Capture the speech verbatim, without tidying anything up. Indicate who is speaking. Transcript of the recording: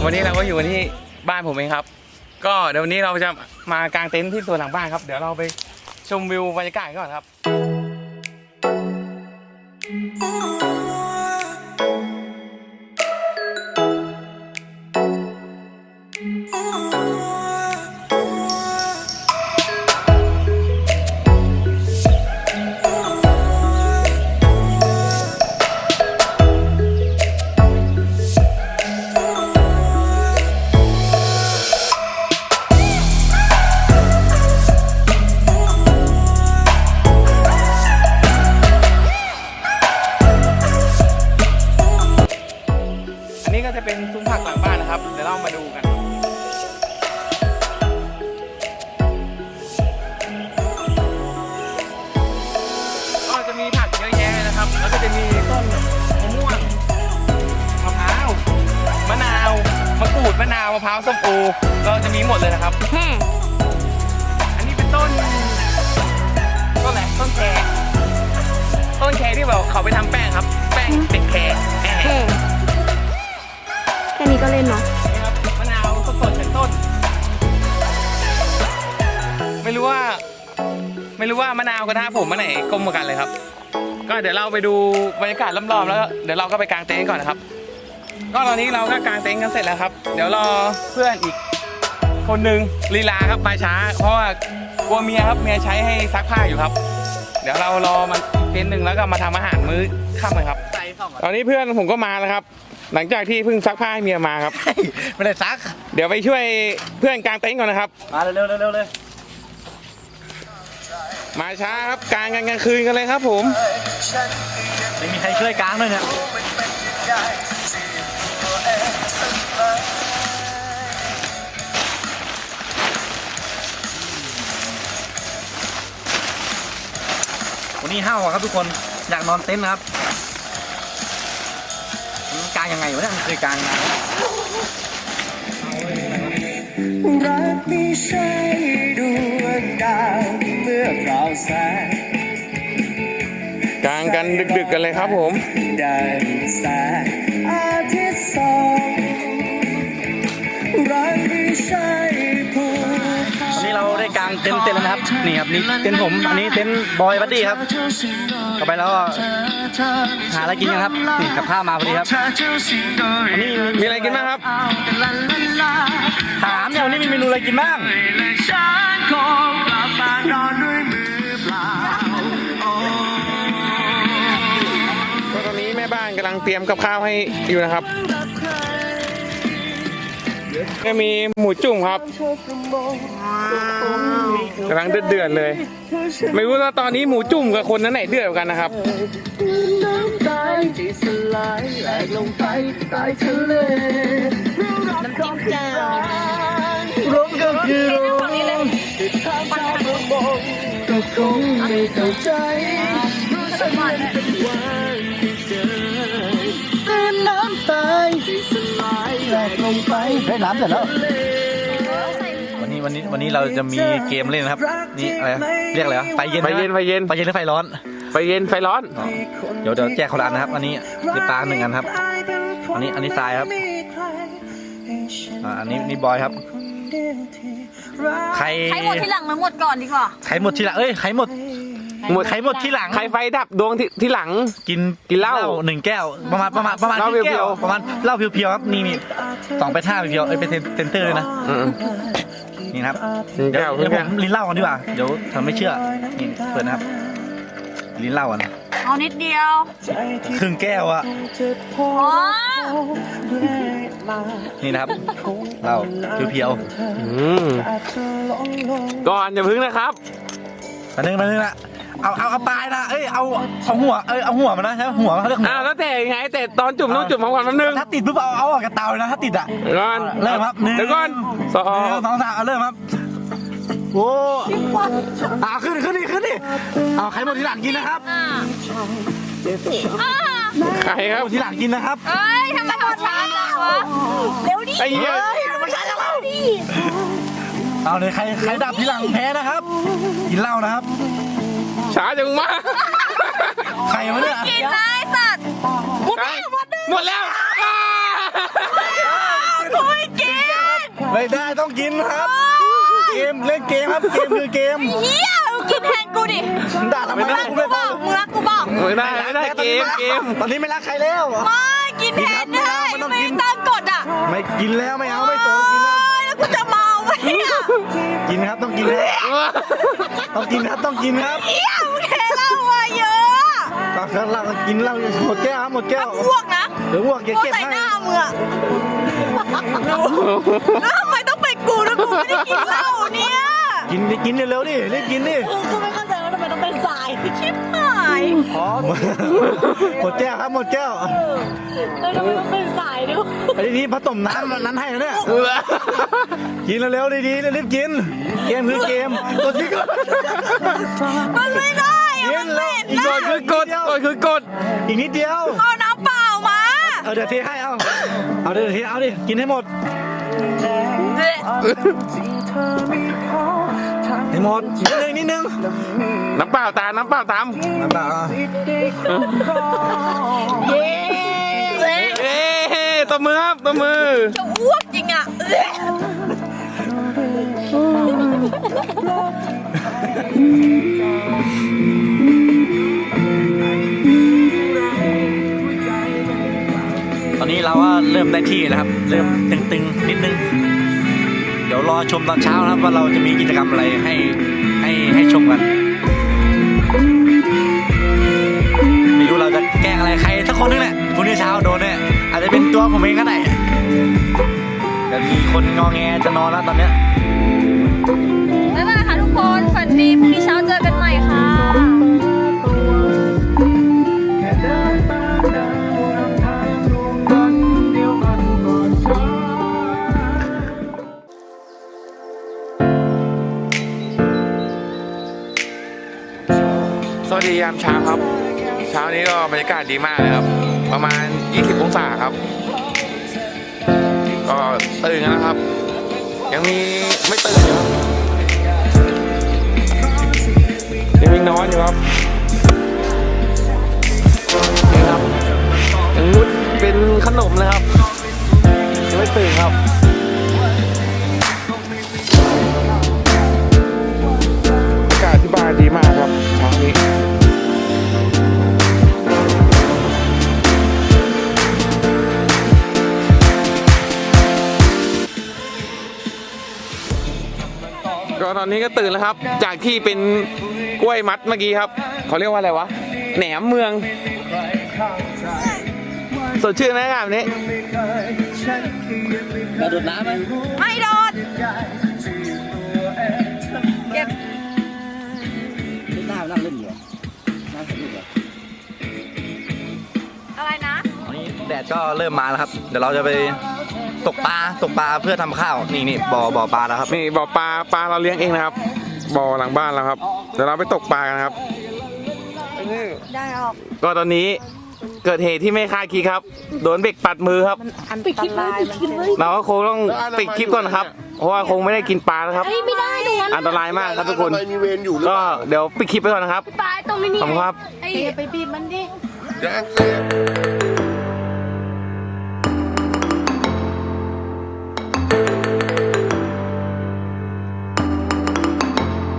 Speaker 1: วันนี้เราก็อยู่ที่บ้านผมเองครับก็เดี๋ยววันนี้เราจะมากางเต็นท์ที่สวนหลังบ้านครับเดี๋ยวเราไปชมวิวบรรยากาศก่อนครับก็จะเป็นซุ้มผักหลังบ้านนะครับเดี๋ยวเรามาดูกันก็จะมีผักเยอะแยะนะครับแล้วก็จะมีต้นมะม่วงมะพร้าวมะนาวมะกรูดมะนาวมะพร้าวส้มโอเราจะมีหมดเลยนะครับอันนี้เป็นต้นต้นอะไรต้นแครต้นแครที่แบบเขาไปทำแป้งครับแป้งเป็นแคร
Speaker 2: แค่นี้ก็เล่นเนาะ
Speaker 1: นี่ครับมะนาวสดๆจากต้นไม่รู้ว่าไม่รู้ว่ามะนาวกับท่าผมอันไหนกลมกว่ากันเลยครับก็เดี๋ยวเราไปดูบรรยากาศรอบๆแล้วเดี๋ยวเราก็ไปกางเต็นท์ก่อนนะครับก็ตอนนี้เราก็กางเต็นท์กันเสร็จแล้วครับเดี๋ยวรอเพื่อนอีกคนนึงลีลาครับมาช้าเพราะว่ากลัวเมียครับเมียใช้ให้ซักผ้าอยู่ครับเดี๋ยวเรารอมันเต็นท์หนึ่งแล้วก็มาทำอาหารมื้อค่ำเลยครับตอนนี้เพื่อนผมก็มาแล้วครับหลังจากที่เพิ่งซักผ้าให้เมียมาครับ
Speaker 3: ไม่ได้ซัก
Speaker 1: เดี๋ยวไปช่วยเพื่อนกางเต็นท์ก่อนนะครับ
Speaker 3: มาเร็วเร็วเร็วเลย
Speaker 1: มาช้าครับกางกันกลางคืนกันเลยครับผม
Speaker 3: ไม่มีใครช่วยกางด้วยเนี่ยวันนี้ห้าวครับทุกคนอยากนอนเต็นท์นะครับกางยังไงวะเนี่ยมันเคยกางนะ
Speaker 4: รักไม่ใช่ดวงดาวเมื่อเปล่าแสง
Speaker 1: กางกันดึกๆกันเลยครับผม
Speaker 4: ดังแสงอาทิตย์ส่องรักไม่ใช่ภู
Speaker 3: วันนี้เราได้กางเต็นท์เต็นท์แล้วนะครับนี่ครับนี่เต็นท์ผมอันนี้เต็นท์บอยบัดดี้ครับต่อไปแล้วหาอะไรกินกันครับนี่กับข้าวมาพอดีครับอันนี้
Speaker 1: มีอะไรกินบ้างครับ
Speaker 3: ถามเนี่ยวันนี้มีเมนูอะไรกินบ้าง
Speaker 1: ก็ตอนนี้แม่บ้านกำลังเตรียมกับข้าวให้อยู่นะครับก็มีหมูจุ่มครับกำลังเดือดๆเลยไม่รู้ว่าตอนนี้หมูจุ่มกับคนนั้นไหนเดือดกว่ากันนะครับ
Speaker 2: น้ำจิ้มแจ่ว
Speaker 4: ร้องก็คือร้องก็คงไม่เข้าใจสักวันเป็นวันที่เจอตื่นน้ำตายสลายแหลกลงไป
Speaker 3: ได้น้ำเสร็จแล้ววันนี้วันนี้วันนี้เราจะมีเกมเล่นนะครับนี่อะไรเรียกอะไรวะไฟเย็น
Speaker 1: ไฟเย็นไฟเย็น
Speaker 3: ไฟเย็นหรือไฟร้อน
Speaker 1: ไฟเย็นไฟร้อน
Speaker 3: เดี๋ยวเดี๋ยวแจกคนละอันนะครับอันนี้ดิปลาหนึ่งอันครับอันนี้อันนี้ทรายครับอันนี้นี่บอยครับ
Speaker 2: ใครใครหมดที่หลังมันหมดก่อนดีกว่า
Speaker 3: ใครหมดที่หลังเอ้ยใครหมดหมดใครหมดที่หลัง
Speaker 1: ใครไฟดับดวงที่ที่หลัง
Speaker 3: กิน
Speaker 1: กินเหล้า
Speaker 3: หนึ่งแก้วประมาณประมาณประมาณ
Speaker 1: เหล้าเพียว
Speaker 3: ๆประมาณเหล้าเพียวๆครับนี่นี่สองไปท่าเพียวเอ้ยเป็นเซนเตอร์เลยนะนี่ครับเดี๋ยวเดี๋ยวผมลิ้นเหล้ากันดีกว่าเดี๋ยวทำไม่เชื่อนี่เปิดนะครับลิ้นเหล้ากัน
Speaker 2: เอานิดเดียว
Speaker 3: ครึ่งแก้วอะ
Speaker 2: โอ้
Speaker 3: นี่นะครับเหล้าเพียว
Speaker 1: ๆก่อนอย่าพึ่งนะครับ
Speaker 3: มาหนึ่งมาหนึ่งละเอาเอาเอาปลายนะเอ้ยเอาเอาหัวเอ้ยเอาหัวมันนะใช่ไหมหัวมันเขาเรียกหัว
Speaker 1: อ้าวแล้วแต่ยังไงแต่ตอนจุ่มต้องจุ่มพร้อมกันแป๊บนึง
Speaker 3: ถ้าติดปุ๊บเอาเอาออกกระเตาเลยนะถ้าติดอ่ะ
Speaker 1: ก่อน
Speaker 3: เริ่มครับ
Speaker 1: เดี๋ยวก่อน
Speaker 3: สองสองสามเอาเริ่มครับโอ้อ่าขึ้นขึ้นดิขึ้นดิเอาใครหมดที่หลังกินนะครับ
Speaker 1: ใครครับ
Speaker 3: ที่หลังกินนะครับ
Speaker 2: เอ้ยทำไมหมดช้าล่ะเร็วดิ
Speaker 1: ไอ้เหี้ย
Speaker 3: ไม่ใช่แล้วเอาเลยใครใครดับที่หลังแพ้นะครับกินเหล้านะครับ
Speaker 1: ช้าจังมาก
Speaker 3: ใครวะเนี่ย
Speaker 2: กินได้สัตว์หมดแล้วหมดแล้ว
Speaker 1: หมดแล้ว
Speaker 2: กูไม่
Speaker 3: ต้องกินครับ เกมเล่นเกมครับ เกมคือเกม
Speaker 2: เฮียมึงกินแทนกูดิ
Speaker 3: ด่าทำไม
Speaker 2: มึงรักกูเปล่ามึงรักกูเปล่า
Speaker 1: ไม่ได้ไม่ได้เกมเกม
Speaker 3: ตอนนี้ไม่รักใครแล้ว
Speaker 2: ไม่กินแทนได้
Speaker 3: ไม่ต้อง
Speaker 2: ไม่
Speaker 3: กิน
Speaker 2: ตั้งกฎอ่ะ
Speaker 3: ไม่กินแล้วไม่เอาไม่สนกินแล้ว
Speaker 2: โอ๊ยแล้วกูจะเมาไหมอ่ะ
Speaker 3: กินครับต้องกินครับต้องกินครับต้องกินครับ
Speaker 2: เฮียมึงเทเหล้ามาเยอะ
Speaker 3: ก็ข้างล่างกินเหล้าหมดแก้วครับหมดแก้ว
Speaker 2: อ้วกนะ
Speaker 3: เดี๋ยวอ้วกอย่า
Speaker 2: อ้วก
Speaker 3: เก็บ
Speaker 2: ใส่
Speaker 3: ให้
Speaker 2: หน้ามึงอะแล้วทำไมต้องเป็นกูด้วยกูไม่ได้กินเหล้าเนี่ย
Speaker 3: กินดิกินเร็วๆดิรีบกินดิ
Speaker 2: กูไม่เข้าใจว่าทำไมต้องเป็นสายชิบหาย
Speaker 3: พอหมดแก้วครับหมดแก้ว
Speaker 2: แล้วทำไมต้องเป็นสายด้วย
Speaker 3: ไอ้นี่ผสมน้ำนั้นให้นะเนี่ยกินเร็วๆดีๆรีบกิน เกมคือเกมกดที่ก่อน
Speaker 2: มันไม่ได้
Speaker 3: กิ
Speaker 2: อะ
Speaker 3: น
Speaker 2: มัน
Speaker 3: แล้ว
Speaker 2: เห็น
Speaker 3: อีก
Speaker 2: นะ
Speaker 3: หน่อย
Speaker 1: คือกดกดคือกด
Speaker 3: อีกนิดเดียว
Speaker 2: เอาน้ำเปล่ามา
Speaker 3: เอาเดี๋ยวเทให้เอาเอาเดี๋ยวเทเอาดิกินให้หมดให้หมดนิดนึงนิดนึง
Speaker 1: น้ำเปล่าตามน้ำเปล่าตาม
Speaker 3: น้ำตาอ่ะ
Speaker 2: เย้เละ
Speaker 1: เอ๊ะตบมือครับตบมือ
Speaker 2: จะอ้วกจริงอะเละ
Speaker 3: ตอนนี้เราก็เริ่มได้ที่แล้วครับ เริ่มตึงๆนิดนึง เดี๋ยวรอชมตอนเช้านะครับว่าเราจะมีกิจกรรมอะไรให้ให้ให้ชมกัน ไม่รู้เราจะแกล้งอะไรใครสักคนนึงแหละพรุ่งนี้เช้าโดนเนี่ยอาจจะเป็นตัวผมเองก็ได้เดี๋ยวมีคนงอแงจะนอนแล้วตอนเนี้ย
Speaker 2: บ๊ายบายค่ะทุกคนฝันดีพรุ่งนี้เช้าเจอกันใหม่ค่ะ
Speaker 1: สวัสดียามเช้าครับ เช้านี้ก็บรรยากาศดีมากเลยครับ ประมาณยี่สิบองศาครับ ก็ตื่นกันนะครับ ยังมีไม่ตื่นอยู่ครับยังมีนอนอยู่ครับนี่ครับยังมุดเป็นขนมเลยครับยังไม่ตื่นครับอากาศที่บ้านดีมากครับเช้านี้ก็ตอนนี้ก็ตื่นแล้วครับ จากที่เป็นกล้วยมัดเมื่อกี้ครับเขาเรียกว่าอะไรวะแหนมเมืองสดชื่นไหมครับนี้
Speaker 3: เราดูดน้ำไหม
Speaker 2: ไม่โดนเก็บ
Speaker 3: น้ำนั่งเล่นอยู่น้ำเล่นอยู่
Speaker 2: อะไรนะ
Speaker 3: ตอนนี้แดดก็เริ่มมาแล้วครับ เดี๋ยวเราจะไปตกปลาตกปลาเพื่อทำข้าวนี่นี่บ่อบ่อปลาแล้วครับ
Speaker 1: นี่บ่อปลาปลาเราเลี้ยงเองนะครับบ่อหลังบ้านเราครับเดี๋ยวเราไปตกปลากันครับ
Speaker 2: ได้ออก
Speaker 1: ก็ตอนนี้เกิดเหตุที่ไม่คาดคิดครับโดนเบรกปัดมือครับ
Speaker 2: อันตรายมันเป็น
Speaker 1: เราก็คงต้องปิดคลิปก่อนนะครับ เพราะว่าคงไม่ได้กินปลาแล้วครับ
Speaker 2: ไม่ได้ตรงนั้น
Speaker 1: อันตรายมากครับทุกคน
Speaker 4: มีเวรอยู่หรือ
Speaker 1: ก็
Speaker 4: เปล่า
Speaker 1: เดี๋ยวปิดคลิปไปก่อนนะครับ
Speaker 2: ปลายตรงนี้
Speaker 1: ขอบคุณครับ
Speaker 2: ไอ้ไปบีบมันดิ
Speaker 4: แจ้งเซฟ